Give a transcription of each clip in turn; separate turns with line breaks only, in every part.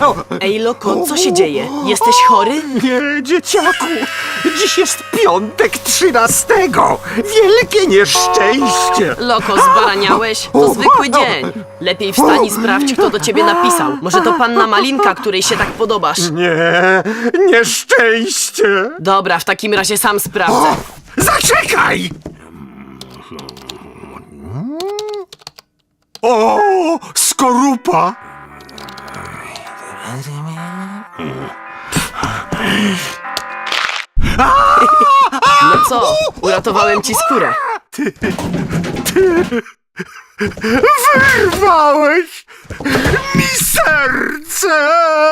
Ej, Loko, co się dzieje? Jesteś chory?
Nie, dzieciaku! Dziś jest piątek 13. Wielkie nieszczęście!
Loko, zbaraniałeś? To zwykły dzień. Lepiej wstań i sprawdź, kto do ciebie napisał. Może to panna Malinka, której się tak podobasz.
Nie, nieszczęście!
Dobra, w takim razie sam sprawdzę.
Zaczekaj! O, skorupa!
No co? Uratowałem ci skórę.
Wyrwałeś mi serce!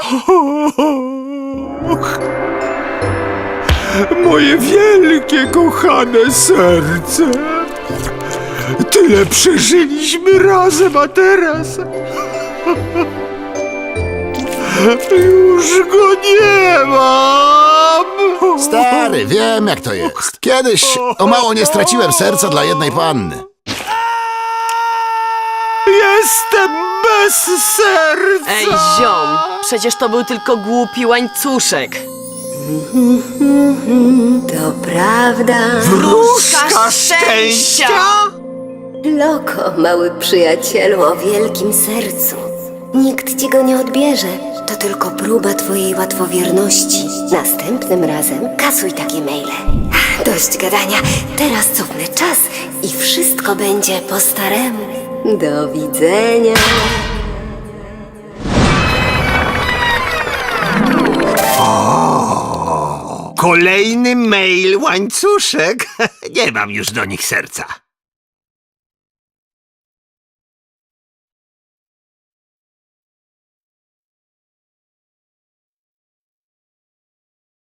Moje wielkie, kochane serce! Tyle przeżyliśmy razem, a teraz... Już go nie mam!
Stary, wiem jak to jest. Kiedyś o mało nie straciłem serca dla jednej panny.
Jestem bez serca!
Ej, ziom, przecież to był tylko głupi łańcuszek.
To prawda.
Wróżka szczęścia!
Loko, mały przyjacielu o wielkim sercu. Nikt ci go nie odbierze. To tylko próba twojej łatwowierności. Następnym razem kasuj takie maile. Dość gadania. Teraz cofnę czas i wszystko będzie po staremu. Do widzenia.
Kolejny mail łańcuszek. Nie mam już do nich serca.